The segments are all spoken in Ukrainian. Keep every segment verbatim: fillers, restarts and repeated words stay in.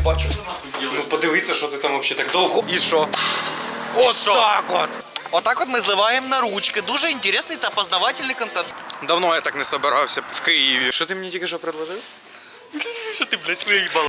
бачу. Ну подивіться, що ти там взагалі так довго. І що? Ось так от. Отак от ми зливаємо на ручки. Дуже інтересний та познавательний контент. Давно я так не собирався в Києві. Що ти мені тільки що предложив? Що ти, блядь, виїбала?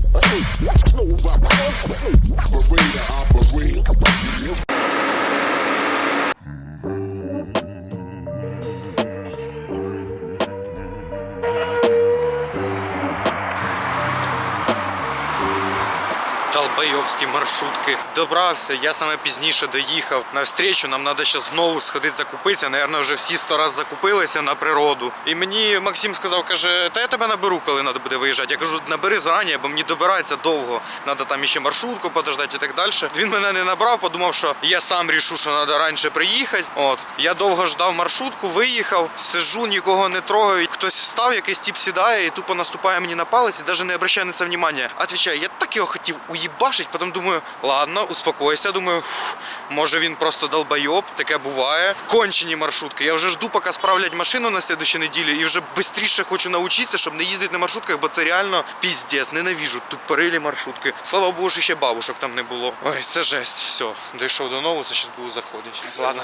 Долбойобські маршрутки. Добрався, я саме пізніше доїхав. На встречу нам треба зараз знову сходити закупитися. Наверно, вже всі сто раз закупилися на природу. І мені Максим сказав, каже, та я тебе наберу, коли треба буде виїжджати. Я кажу, набери зарані, бо мені добирається довго. Треба там ще маршрутку подождати і так далі. Він мене не набрав, подумав, що я сам рішу, що треба раніше приїхати. От. Я довго ждав маршрутку, виїхав, сижу, нікого не трогаю. Хтось встав, якийсь тип сідає і тупо наступає мені на палець і навіть не обращає на це увагу. Отвічаю, я так його хотів уїбашить, потім думаю, ладно, успокойся, думаю, фу, може він просто долбойоб, таке буває. Кончені маршрутки. Я вже жду, поки справлять машину на слідчій неділі і вже швидше хочу навчитися, щоб не їздити на маршрутках, бо це реально піздець, ненавижу тупорилі маршрутки. Слава Богу, що ще бабушок там не було. Ой, це жесть. Все, дійшов до нового, зараз буду заходити. Ладно.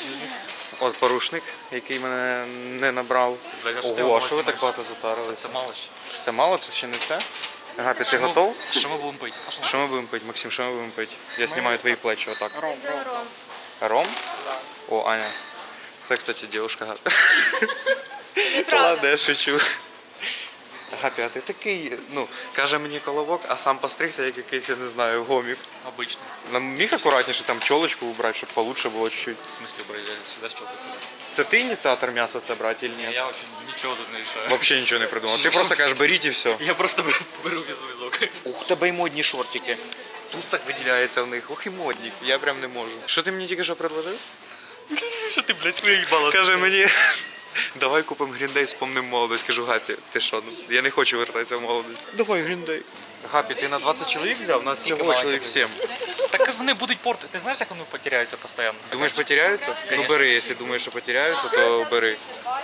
От порушник, який мене не набрав. Ого, а що ви так багато затарили? Це мало ще. Це мало? Це ще не все? Гапі, ти готов? Що ми будемо пити? Що ми будемо пити, Максим, що ми будемо пити? Я знімаю твої плечі отак. Ром, ром. Ром? О, Аня. Це, кстати, дівчинка Гапі. Неправда. Ладно, я шучу. Гапі, а ти такий, ну, каже мені колобок, а сам постригся, як якийсь, я не знаю, гомік. Обично. Нам міг акуратніше там чолочку убрати, щоб получше було чуть-чуть. В смысле, брать, я сюди що тут? Це ти ініціатор м'яса це брати, чи ні? Я вообще нічого тут не рішаю. Взагалі нічого не придумав. Ти просто кажеш, беріть і все. Я просто беру візок. Ух, тебе й модні шортики. Туз так виділяється в них. Ох і модні. Я прям не можу. Що ти мені тільки що предложив? Що ти, блядь, виїбала? Каже мені, давай купимо гріндей, спомнимо молодость. Кажу, Гапі, ти що? Я не хочу вертатися в молодість. Давай гріндей. Гапі, ти на двадцять чоловік взяв? У нас всього чоловік сім. Так вони будуть порти. Ти знаєш, як вони потеряються постійно? Думаєш, потеряються? Ну бери, якщо думаєш, що потеряються, то бери.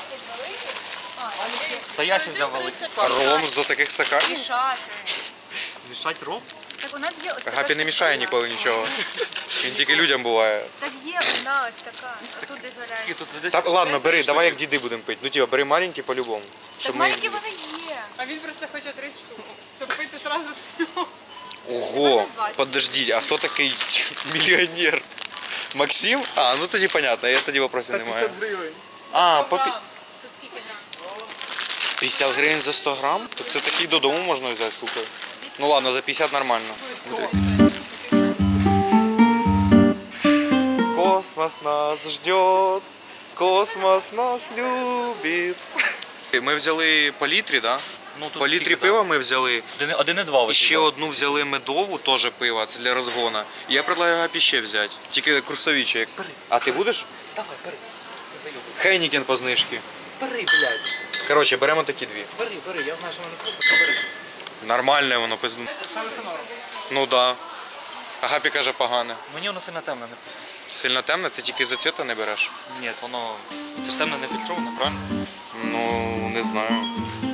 Це я ще взяв великий. Ром з таких стаканів? Мішать ром? Так у нас є ось така Гапі не мішає ніколи нічого. Він тільки людям буває. Так є у нас така. А тут де заряд. І тут десь Так, ладно, бери, давай як діди будемо пити. Ну тіба, бери маленькі по-любому. Так маленькі вони є. А він просто хоче три штуки, щоб пити одразу з нього. Ого, подождіть, а хто такий мільйонер? Максим? А, ну тоді понятно, я тоді вопросів немає. гривень. А, по пі- Тут скільки нам? п'ятдесят гривень за сто грам? То це такий додому можна взяти, слухай. Ну ладно, за п'ятдесят нормально. Космос нас ждет, космос нас любит. Ми взяли по літрі, да? Ну, тут По літрі скільки, пива ми взяли. Один, один і два. І ще одну взяли медову, теж пиво, це для розгону. І я предлагаю Гапі ще взяти. Тільки курсовіче. як- А ти будеш? Давай, бери. Не зайобуй. Хейнікен по знижці. Бери, блядь. Коротше, беремо такі дві. Бери, бери. Я знаю, що вони просто бери. Нормальне воно пизду. Ну да. А Гапі каже погане. Мені воно сильно темне не вкусно. Сильно темне, ти тільки за цвіта не береш? Ні, воно... Це ж темне не фільтроване, правильно? Ну, не знаю.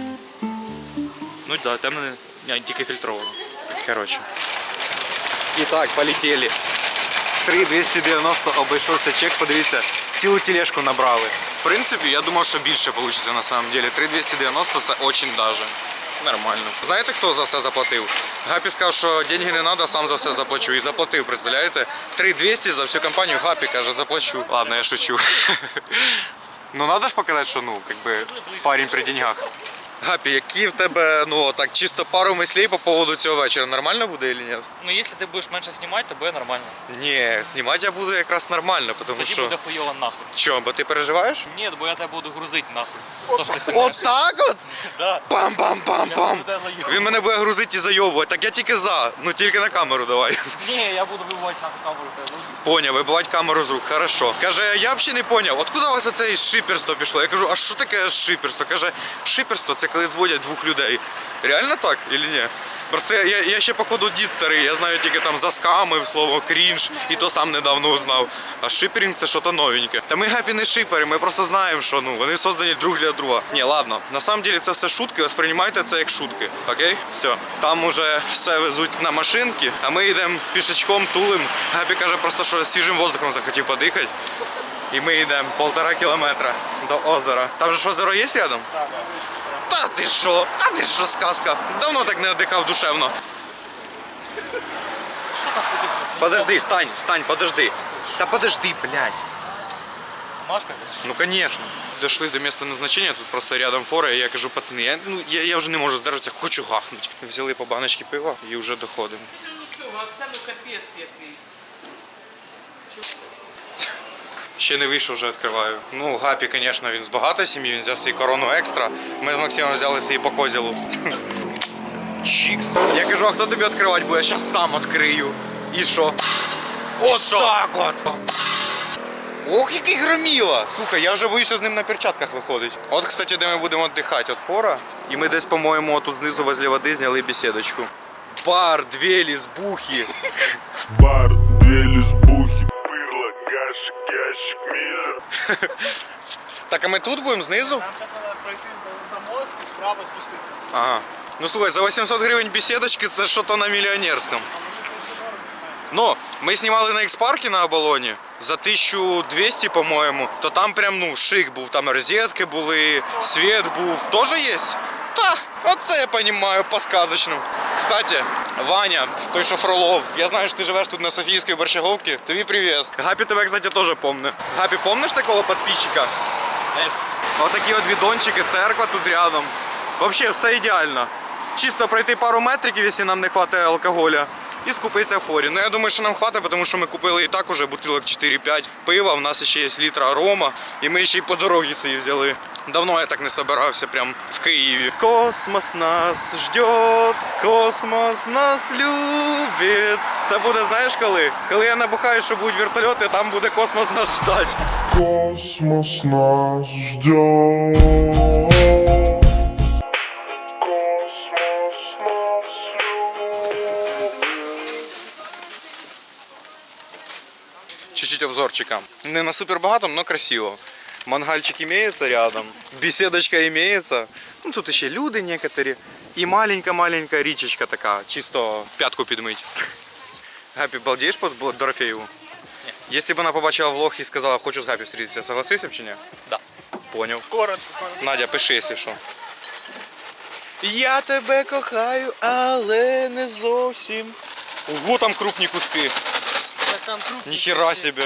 Ну так, да, темне не... Ні, тільки фільтроване. Коротше. І так, полетіли. три двісті дев'яносто обійшовся чек, подивіться, цілу тележку набрали. В принципі, я думав, що більше вийде на самом деле. три двісті дев'яносто це дуже даже. Нормально. Знаєте, хто за все заплатив? Гапі сказав, що деньги не треба, сам за все заплачу. І заплатив, представляєте? три двісті за всю компанію. Гапі каже, заплачу. Ладно, я шучу. Ну, треба ж показати, що, ну, как бы, парень при деньгах. Гапі, які в тебе, ну, так, чисто пару мислей по поводу цього вечора. Нормально буде чи ні? Ну, якщо ти будеш менше знімати, то буде нормально. Ні, знімати я буду якраз нормально, тому Тоді що... буде хуйово нахуй. Чо, бо ти переживаєш? Ні, бо я тебе буду грузити нахуй. То, що ти знімаєш. так от? Да. Пам-пам-пам-пам! Я буду заєбувати. Він мене буде грузити і зайобувати, так я тільки за, ну тільки на камеру давай. Ні, я буду вибивати нахуй камеру тебе. Поняв, вибивати камеру з рук, хорошо. Каже, я взагалі не поняв, откуда у вас оце шиперство пішло? Я кажу, а що таке шиперство? Каже, шиперство це коли зводять двох людей. Реально так, чи ні? Просто я, я, я ще походу дід старий, я знаю тільки там заскамив слово крінж, і то сам недавно узнав. А шиперінг це щось новеньке. Та ми гапі не шипери, ми просто знаємо, що ну вони создані друг для друга. Ні, ладно, на самом деле це все шутки, восприймайте це як шутки. Окей? Все. Там уже все везуть на машинки, а ми йдемо пішечком, тулим. Гапі каже просто, що свіжим воздухом захотів подихати. І ми йдемо полтора кілометра до озера. Там же ж озеро є рядом? Так. Та ти що? Та ти що, сказка? Давно так не віддихав душевно. Подожди, стань, стань, подожди. Та подожди, блядь. Машка? Ну, конечно. Дошли до місця назначення, тут просто рядом фора, і я кажу, пацани, я, ну, я, я вже не можу здержатися, хочу гахнути. Взяли по баночці пива і вже доходимо. Нічого, а це ну капець який. Ще не вийшов, вже відкриваю. Ну, Гапі, звісно, він з багатої сім'ї, він взяв свій корону екстра. Ми з Максимом взяли свій по козілу. Чікс. Я кажу, а хто тобі відкривати буде? Я зараз сам відкрию. І що? От так от! Ох, який громіла! Слухай, я вже боюся з ним на перчатках виходить. От, кстати, де ми будемо віддихати. От фора. І ми десь, по-моєму, тут знизу возле води зняли бесідочку. Бар, дві лізбухи. Бар, две лесбухи. Пырло, гашик, ящик, миллер. Так, а ми тут будемо знизу? Нам зараз треба пройти за, за мост і справа спуститися. Ага. Ну слухай, за вісімсот гривень бесідочки це що-то на мільйонерському. Ну, ми знімали на X-паркі на Оболоні за тисячу двісті, по-моєму, то там прям, ну, шик був, там розетки були, світ був. Тоже є? Та, оце я розумію, по-сказочному. Кстати, Ваня, той, що Фролов, я знаю, що ти живеш тут на Софіївській Борщаговці, тобі привіт. Гапі тебе, кстати, теж помне. Гапі, помниш такого підписчика? Ось такі от відончики, церква тут рядом. Взагалі, все ідеально. Чисто пройти пару метриків, якщо нам не вистачає алкоголя. І скупитися в форі. Ну я думаю, що нам хватить, тому що ми купили і так уже бутилок чотири-п'ять пива, в нас ще є літра рома, і ми ще й по дорозі собі взяли. Давно я так не собирався, прям в Києві. Космос нас ждет, космос нас любить. Це буде, знаєш коли? Коли я набухаю, що будуть вертольоти, там буде космос нас ждать. Космос нас ждет. Чуть-чуть обзорчика. Не на супер богатом, но красиво. Мангальчик имеется рядом, беседочка имеется. Ну тут еще люди некоторые. И маленькая-маленькая річечка така, чисто пятку підмить. Гапі, балдеєш по Дорофеєву? Ні. Якщо б вона побачила влог і сказала, хочу з Гапі зустрітися, согласився б чи ні? Да. Поняв. Коротко. Надя, пиши, якщо що. Я тебе кохаю, але не зовсім. Ого, там крупні куски. Там круг. Ніхера себе.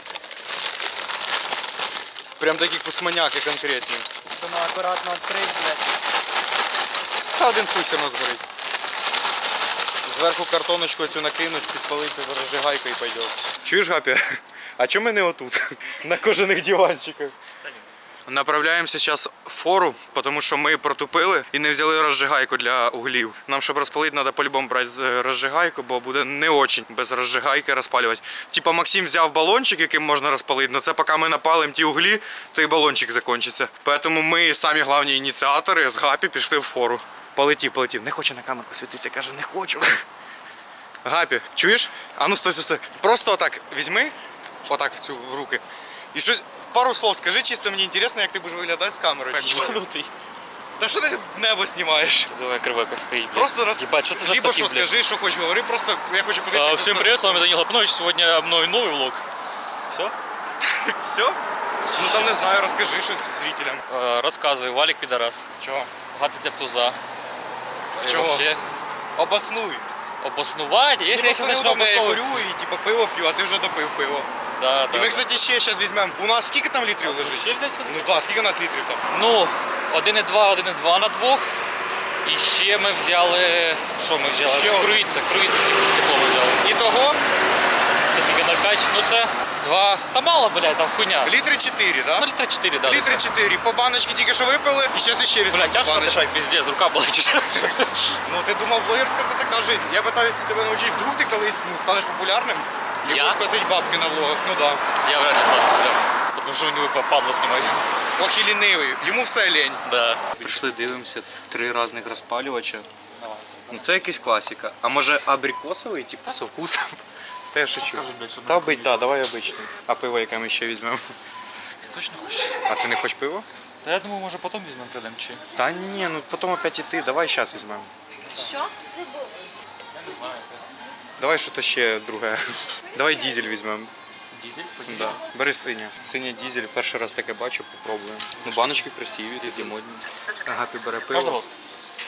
Прям такі кусманяки конкретні. Вона акуратно відкрить, блядь. Та один хуй все одно згорить. Зверху картоночку цю накинуть, підпалити розжигайкою і пойде. Чуєш, Гапі? А чому ми не отут? На кожаних диванчиках. Направляємося зараз в фору, тому що ми протупили і не взяли розжигайку для углів. Нам, щоб розпалити, треба по-любому брати розжигайку, бо буде не дуже без розжигайки розпалювати. Типа Максим взяв балончик, яким можна розпалити, але це поки ми напалимо ті углі, то і балончик закінчиться. Тому ми самі головні ініціатори з Гапі пішли в фору. Полетів, полетів. Не хоче на камеру посвітитися, каже, не хочу. Гапі, чуєш? А ну стой, стой, стой. Просто отак візьми, отак в цю в руки. І щось, пару слов скажи, чисто мені цікаво, як ти будеш виглядати з камерою. Ебанутый. Та що ти небо знімаєш? Давай кривайка стоит, блядь. Просто раз... Ебать, что это за либо штатив, що блядь? скажи, що хочеш, говори, просто я хочу А, подивитися. всем привет, с вами Данил Лапнович. Сегодня мной новый влог. Все? Все? Ну там не знаю, розкажи щось зрителям. Рассказывай, Валик пидорас. Чого? Гатиться в туза. И Чего? вообще Обоснуй. обоснувати. Если я сейчас начну неудобно, я обосновывать. курю і типу пиво п'ю, а ти вже допив пиво. Да, І да. ми, кстати, ще зараз візьмемо. У нас скільки там літрів лежить? Ще взяти сюди? Ну так, скільки у нас літрів там? Ну, один і два, один і два на двох. І ще ми взяли. Що ми взяли? Ще один. Круїця, круїця стекло ми взяли. Ітого Це скільки нуль п'ять? Ну це два. Та мало, блядь, там хуйня. літри чотири, Ну, так? літра чотири, да. Літри десь. чотири. По баночці тільки що випили, і зараз ще візьмемо Блядь, тяжко баночку. дышать, пиздец, рука болить уже. Ну ти думав, блогерська це така життя. Я питаюся тебе навчити, вдруг ти колись ну, станеш популярним і Я? будеш косити бабки на влогах. Ну да. Я вряд ли стану популярным. Потому что у него падло снимать. Ох і лінивий, йому все лень. Да. Прийшли, дивимося, три різних розпалювача. Ну це якась класика. А може абрикосовий, типу, со вкусом? Та я шучу. Та бить, да, давай обичний. А пиво яке ми ще візьмемо? Ти точно хочеш? А ти не хочеш пиво? Та я думаю, може потім візьмемо прийдемо чи. Та ні, ну потім опять іти, давай зараз візьмемо. Що? Давай щось ще друге. Давай дізель візьмемо. Дізель? Да. Бери синє. Синє дізель, перший раз таке бачу, попробуємо. Ну баночки красиві, такі модні. Агапі бере Можна пиво. воск?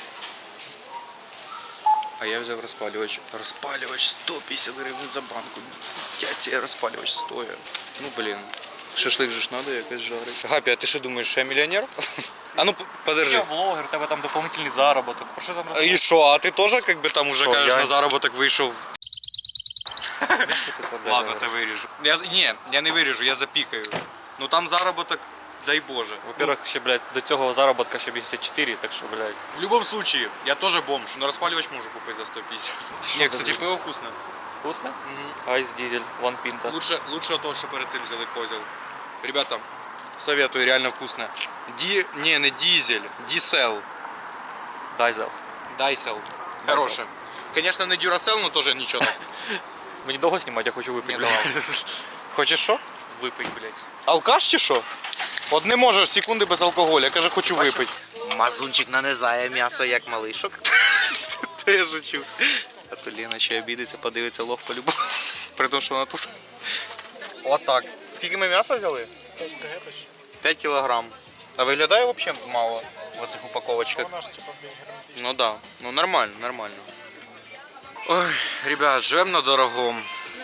А я взяв розпалювач. Розпалювач сто п'ятдесят гривень за банку. Я цей розпалювач стоїть. Ну блін. Шашлик же ж надо якось жарити. Гапі, а ти що думаєш, що я мільйонер? А ну п- Я подержи. блогер, у тебе там дополнительний заробіток. Про що там А І що, а ти теж як би там уже Що, кажеш я- на заробіток вийшов? розказувати? Ладно, це виріжу. Я, з- ні, я не виріжу, я запікаю. Ну там заробіток, дай Боже. Во-первых, ще, блядь, до цього заробітка ще вісімдесят чотири, так що, блядь. В любом случае, я тоже бомж, но розпалювач можу купити за сто п'ятдесят. Ні, кстати, пиво вкусне. Вкусно? Айс дизель, ван пінта. Лучше, лучше того, що перед цим взяли козел. Ребята, советую, реально вкусно. Ди... Не, не дизель, дисел. Дайзел. Дайсел. Хороше. Конечно, не дюрасел, но тоже нічого. Мені довго знімати, я хочу випити, Ні, блядь. давай. Хочеш що? Випить, блядь. Алкаш чи що? От не можеш секунди без алкоголю, я каже, хочу випити. Мазунчик нанизає м'ясо як малишок. Та я жучу. А то Лена ще обідеться, подивиться лох по-любому. При тому, що вона тут. Отак. Скільки ми м'яса взяли? п'ять кілограм. А виглядає взагалі мало в оцих упаковочках. Ну да, ну нормально, нормально. Ой, ребят, живем на дорогому.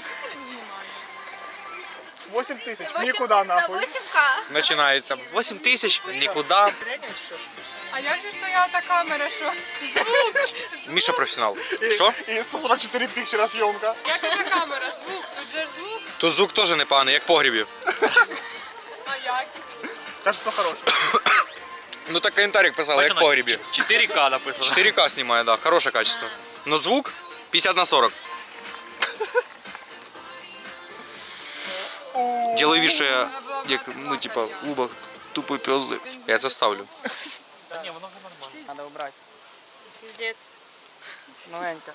вісім тисяч, нікуди нахуй. вісім ка. Починається. вісім тисяч, нікуди. А як же стояла та камера, що? Міша професіонал. Що? І сто сорок чотири пікчера зйомка. Як та камера? Звук, тут же ж звук, Тут звук теж непоганий, як в погрібі. а якість. Каже, що хороше. Ну так коментарик писали, як в погрібі. чотири ка написано. чотири ка знімає, да, хороше качество. Но звук п'ятдесят на сорок. Ділаю вид, що я, як, ну типа, в клубах тупо пьозли. Я це ставлю. Та ні, воно вже нормально. Треба обрати. Піздець. Новенька.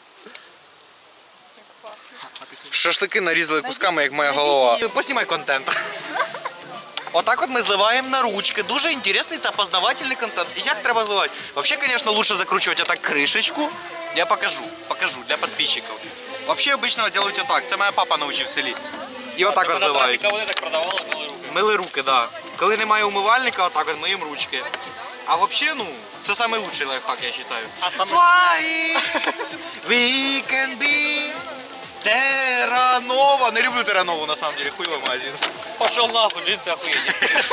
Шашлики нарізали кусками, як моя голова. Поснімай контент. Отак от ми зливаємо на ручки. Дуже інтересний та познавательний контент. І як треба зливати? Взагалі, звісно, лучше закручувати отак кришечку. Я покажу, покажу для підписчиків. Взагалі, обично роблять отак. Це моя папа навчив в селі. І отак от зливають. Вони так продавали, мили руки. Мили руки, так. Да. Коли немає умивальника, отак от миємо ручки. А взагалі, ну, це найкращий лайфхак, я вважаю. А саме... Fly, we can be Терранова. Не люблю Терранову, на самом деле, хуйовый магазин. Пошел нахуй, джинсы охуєнні.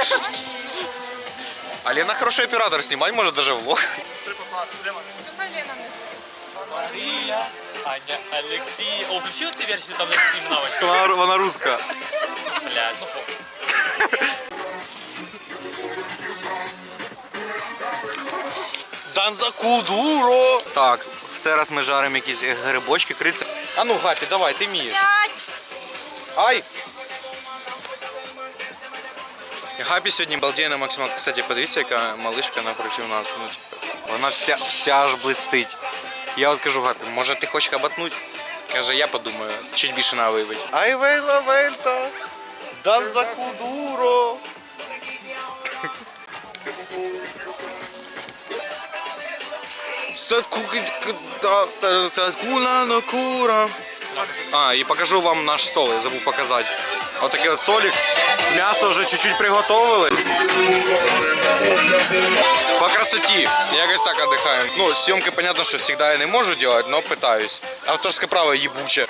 А Лена хороший оператор, снимать может даже влог. Давай Лена не Марія, Аня, Олексій. О, включили цю версію там на імена? Вона, вона русская. Блядь, ну похуй. Данзакудуро. Так, в цей раз ми жаримо якісь грибочки, криця. А ну, Гапі, давай, ти вмієш. П'ять. Ай! Гапі сьогодні балдіє максимально. Кстати, подивіться, яка малишка напроти нас. Ну, типу, вона вся, вся аж блистить. Я от кажу, Гапі, може ти хочеш хабатнуть? Каже, я подумаю, чуть більше на вибить. Ай вейла вельта, данзакудуро. А, и покажу вам наш стол, я забыл показать. Вот такой вот столик. Мясо уже чуть-чуть приготовили. По красоте. Якось так отдыхаем. Ну, съемки, понятно, что всегда я не могу делать, но пытаюсь. Авторское право ебуче.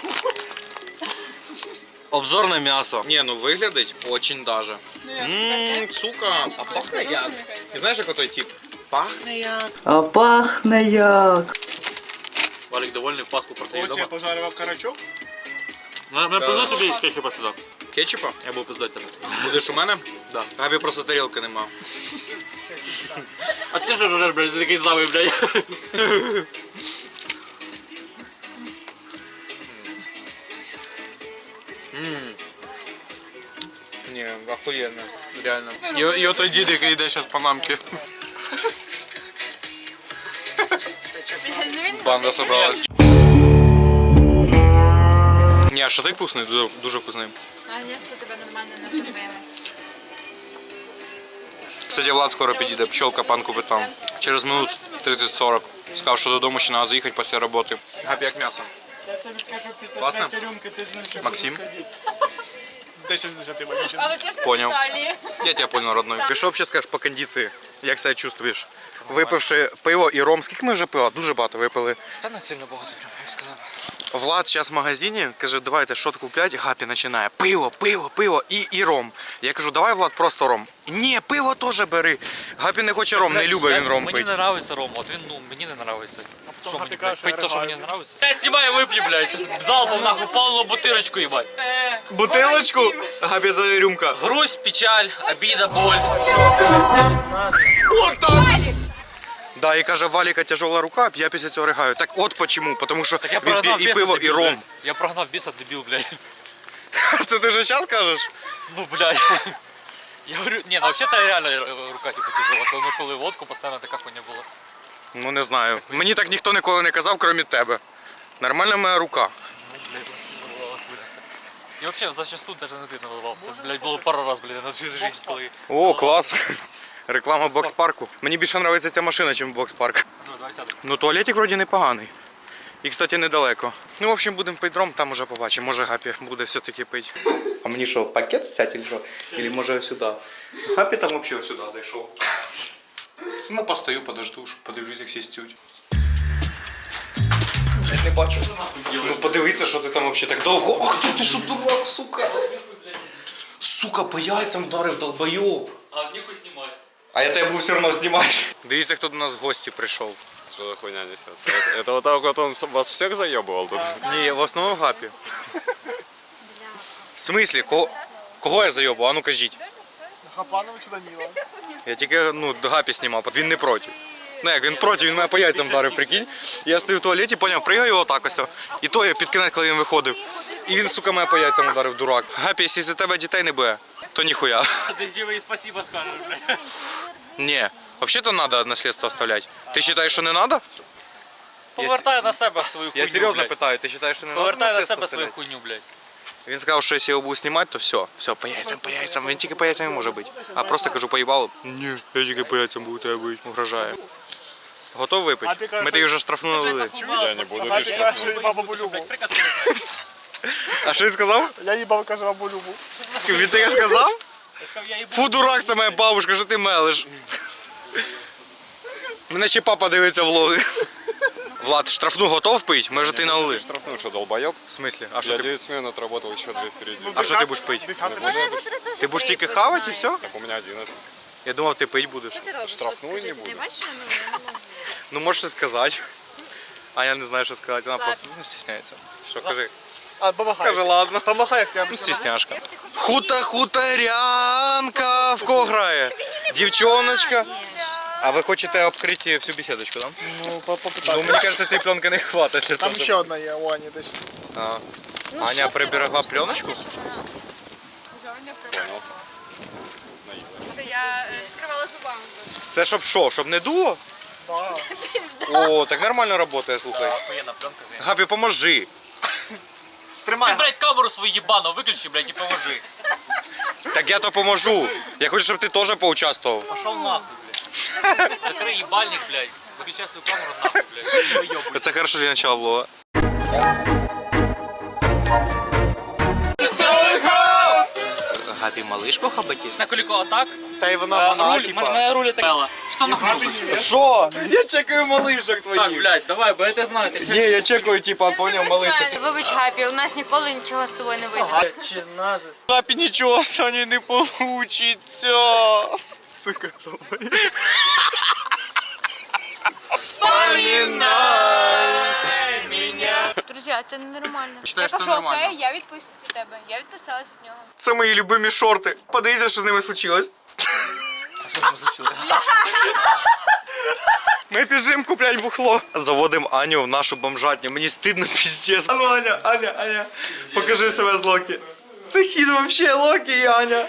Обзор на мясо. Не, ну выглядит очень даже. Ммм, сука, а пахне як? І знаєш, як той тип? Пахне як. А пахне як. Валік довольний, в Пасху просив Ось я дома. пожарював карачок. Мене пиздуй собі кетчупа сюди. Кетчупа? Я був пиздати тебе. Будеш у мене? Да. Габі просто тарілки нема. А ти що ж вже, блядь, ти такий злавий, блядь. Ммм. Ні, охуєнно, реально. І, і отой дід, який йде зараз по мамці. Банда собралась. Ні, а шашлик вкусний, дуже, дуже вкусний. А якщо тебе нормально накормили? Кстати, Влад скоро підійде, пчелка пан купить там. Через минут тридцять-сорок. Сказав, що додому ще треба заїхати після роботи. Гапі, як м'ясо? Я тобі скажу, після Класно? третьої рюмки ти з ним ще Максим? будеш сидіти. десять з десяти виключено. А ви теж Понял. на Італії? Я тебе понял, родной. Ти що взагалі скажеш по кондиції? Як себе чувствуєш? Випивши пиво і ром, скільки ми вже пива? Дуже багато випили. Та не сильно багато, прям, я б сказав. Влад зараз в магазині каже, давайте що купляти. Гапі починає. Пиво, пиво, пиво і, і ром. Я кажу, давай, Влад, просто ром. Ні, пиво теж бери. Гапі не хоче ром, не любить він ром Мені пити. не нравиться ром, от він, ну, мені не нравиться. Що мені, Гапі блядь, каже, пить то, що я мені ригаю. не нравиться? Я знімаю, вип'ю, блядь, щас залпом нахуй повну бутирочку, їбать. Бутилочку? Гапі за рюмка. Грусть, печаль, обіда, боль. Да, і каже, Валіка тяжела рука, я після цього ригаю. Так от почему, тому що Так я він прогнав п'є і біса, пиво, і дебіл, ром. блядь. Я прогнав біса, дебіл, блядь. Це ти вже зараз кажеш? Ну, блядь. Я говорю, ні, ну вообще-то реально рука типу тяжела. Коли ми пили водку, постійно така хуйня була. Ну не знаю. Мені так ніхто ніколи не казав, крім тебе. Нормальна моя рука. І взагалі зачасту навіть не ти наливав. Це, блядь, було пару раз, блядь, на свій житті, коли... О, клас. Реклама бокс-парку. Мені більше подобається ця машина, ніж бокс-парк. Ну, давай сядемо. Ну туалетик вроді непоганий. І, кстати, недалеко. Ну, в общем, будемо пити ром, там уже побачимо. Може Гапі буде все-таки пити. А мені що, пакет взяти чи що? Или може сюди? Гапі там взагалі сюди зайшов. Ну, постою, подожду, подивлюсь, як всі стють. Я не бачу. Ну, подивіться, що ти там взагалі так довго. Ох, ти що дурак, сука. Сука, по яйцям вдарив, долбойоб. А ніхуй знімай. А я тебе буду все одно знімати. Дивіться, хто до нас в гості прийшов. Что за хуйня несется? Это, это вот так вот он вас всех заебывал тут? Ні, в основному Гапі. В смислі? Кого, кого я зайобу? А ну кажіть. Хапанович Даніла. Я тільки ну, Гапі знімав, він не проти. Ну як, він проти, він мене по яйцям вдарив, прикинь. Я стою в туалеті, поняв, пригаю отак ось. І то я під кінець, коли він виходив. І він, сука, мене по яйцям ударив, дурак. Гапі, якщо за тебе дітей не буде, то ніхуя. Ти живий, спасибо скажеш, блядь. Ні, взагалі-то треба наслідство оставляти. Ти вважаєш, що не треба? Повертай на себе свою хуйню, Я серйозно блядь. питаю, ти вважаєш, що не треба Повертай на наслідство себе свою оставляти? хуйню, блядь. Він сказав, що якщо я його буду знімати, то все, все, по яйцям, по яйцям. Він тільки по яйцям не може бути. А просто кажу, поїбало. Ні, я тільки по яйцям буду тебе бити. Угрожає. Готов випити? Ми тобі вже штрафнули. Я не буду Гапі лишним. каже, я їбав бабу Любу. А що він сказав? Я їбав, каже, бабу Любу. Він таке сказав? Я сказав, я їбу. Фу, дурак, це моя бабушка, що ти мелиш. Мене ще папа дивиться влоги. Влад, штрафну готов пити? Ми вже ти налили. Штрафнул, что долбоеб? В смислі? А що Я ти, девять смен отработал, еще две впереди. а що ти будеш пити? Десятий Ти будеш тільки хавати і все? Так у меня одиннадцать. Я думав, ти пити будеш. Що ти робиш? Штрафную От скажи, не ти буду. бачиш, що ну, я не можу. Ну можеш щось сказати. А я не знаю, що сказати. Вона Ладно. просто ну, стісняється. Що, кажи? А, помахай. Кажи, ладно. Помахай, як тебе. Ну, стісняшка. Хута хуторянка в кого грає? Дівчоночка. А ви хочете обкрити всю беседочку, так? Ну, Ну, попитайся. мені кажется, цієї пленки не хватить. для Там того, ще одна є у Ані десь. А. Ну, Аня що ти приберегла робиш? пленочку? Бачиш, вона- Понял. Я е, скривала зубами. Це щоб що? Щоб не дуло? Да. О, так нормально працює, слухай. Охуєнна пленка, блядь. Габі, поможи. Тримай. Ти, блядь, камеру свою їбану виключи, блядь, і поможи. Так я то поможу. Я хочу, щоб ти теж поучаствував. Пошел нахуй, блядь. Закрий їбальник, блядь. Виключай свою камеру нахуй, блядь. Не вийобуй. Це хорошо для начала влога. Габі малишку хабаті? На коліко атак. Та й вона вона, Руль, типа. мене руль так. Що там нахуй? Що? Я чекаю малишок твоїх. Так, блядь, давай, бо я те знаю. Ти Ні, я чекаю, типа, поняв, малишок. Вибач, Гапі, у нас ніколи нічого з собою не вийде. Чи назис? Гапі нічого, Сані, не получиться. Сука, Друзі, це ненормально. Считаєш, Я це кажу, нормально? окей, я відписуюсь від тебе. Я відписалась від нього. Це мої любимі шорти. Подивіться, що з ними случилось. Ми біжимо купляти бухло. Заводимо Аню в нашу бомжатню. Мені стидно піздець. А ну, Аня, Аня, Аня, покажи себе з Локі. Це хід вообще Локі і Аня.